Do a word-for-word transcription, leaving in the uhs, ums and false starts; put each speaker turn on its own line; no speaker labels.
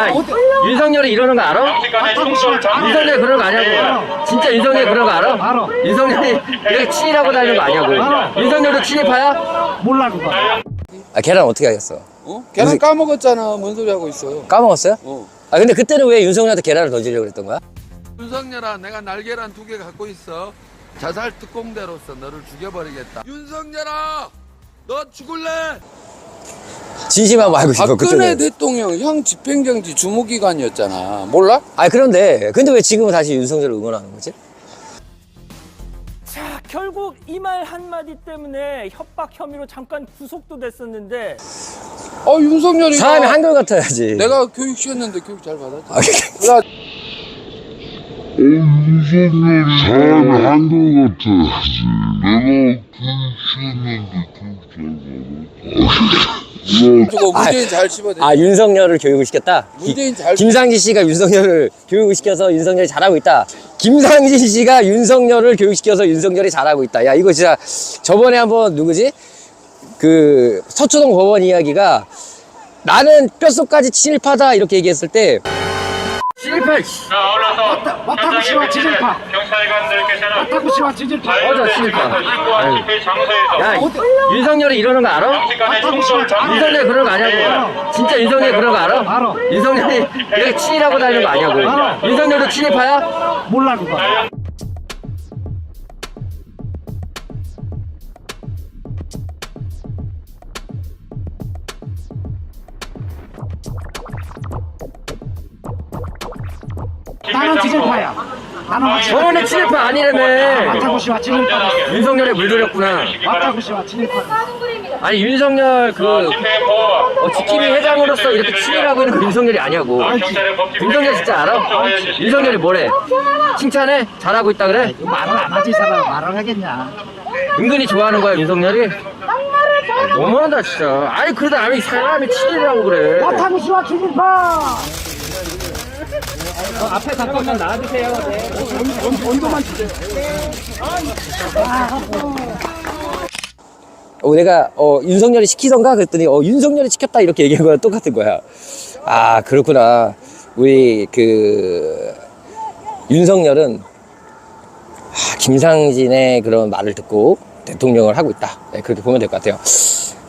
야, 윤석열이 이러는 거 알아? 윤석열이 그러는 거 아냐고. 진짜 윤석열이 그러는 거 알아?
알아.
윤석열이 이렇게 친일하고 다니는 거 아냐고. 윤석열도 친일파야?
몰라 그거.
아 계란 어떻게 하겠어?
어? 계란 까먹었잖아. 뭔 소리 하고 있어.
까먹었어요?
어.
아 근데 그때는 왜 윤석열한테 계란을 던지려고 그랬던 거야?
윤석열아, 내가 날계란 두 개 갖고 있어. 자살 특공대로서 너를 죽여버리겠다. 윤석열아, 너 죽을래?
진심하고 알고 싶어
박근혜
그쪽은.
대통령 형 집행정지 주무기간이었잖아. 몰라?
아 그런데 근데 왜 지금은 다시 윤석열을 응원하는 거지?
자, 결국 이 말 한마디 때문에 협박 혐의로 잠깐 구속도 됐었는데
아 윤석열이
사람이 한결같아야지.
내가 교육 시켰는데 교육 잘 받았지.
아,
야,
윤석열이 사람이 한결 같아야지. 내가 교육시켰는데 교육 잘 받았다.
저거 문재인 잘 씹어대.
아 윤석열을 교육을 시켰다?
문재인 잘
김상진 씨가 윤석열을 교육을 시켜서 윤석열이 잘하고 있다. 김상진 씨가 윤석열을 교육시켜서 윤석열이 잘하고 있다. 야 이거 진짜 저번에 한번 누구지? 그 서초동 법원 이야기가 나는 뼛속까지 친일파다 이렇게 얘기했을 때
친일파.
왔다고 씨와 지질파. 왔다고 씨와 지질파.
맞아, 친일파. 아유. 야, 윤석열이 이러는 거 알아? 윤석열이 그러는 거 아냐고. 진짜 윤석열이 그러는 거 알아?
알아.
윤석열이 이렇게 친일하고 다니는 거 아냐고.
알아.
윤석열도 친일파야?
몰라 그거. 나는 지질파야. 나는 확실히.
저번에 친일파 아니라며.
왔다고 씨와 지질파.
윤석열에 물들였구나.
왔다고 씨와 지질파.
아니 윤석열 그 어, 지킴이 회장으로서 이렇게 친일하고 있는 거 윤석열이 아니냐고. 윤석열 진짜 알아? 윤석열이 뭐래? 칭찬해? 잘하고 있다 그래?
말을 안 하지 이 사람 말을 하겠냐.
은근히 좋아하는 거야 윤석열이? 너무한다 진짜. 아니 그러다 남이 사람이 친일이라고 그래.
왔다고 씨와 지질파.
앞에 잠깐만 나와주세요. 네.
온도만 주세요.
어, 내가 어, 윤석열이 시키던가 그랬더니 어, 윤석열이 시켰다 이렇게 얘기한 거랑 똑같은 거야. 아 그렇구나. 우리 그 윤석열은 아, 김상진의 그런 말을 듣고 대통령을 하고 있다. 네, 그렇게 보면 될 것 같아요.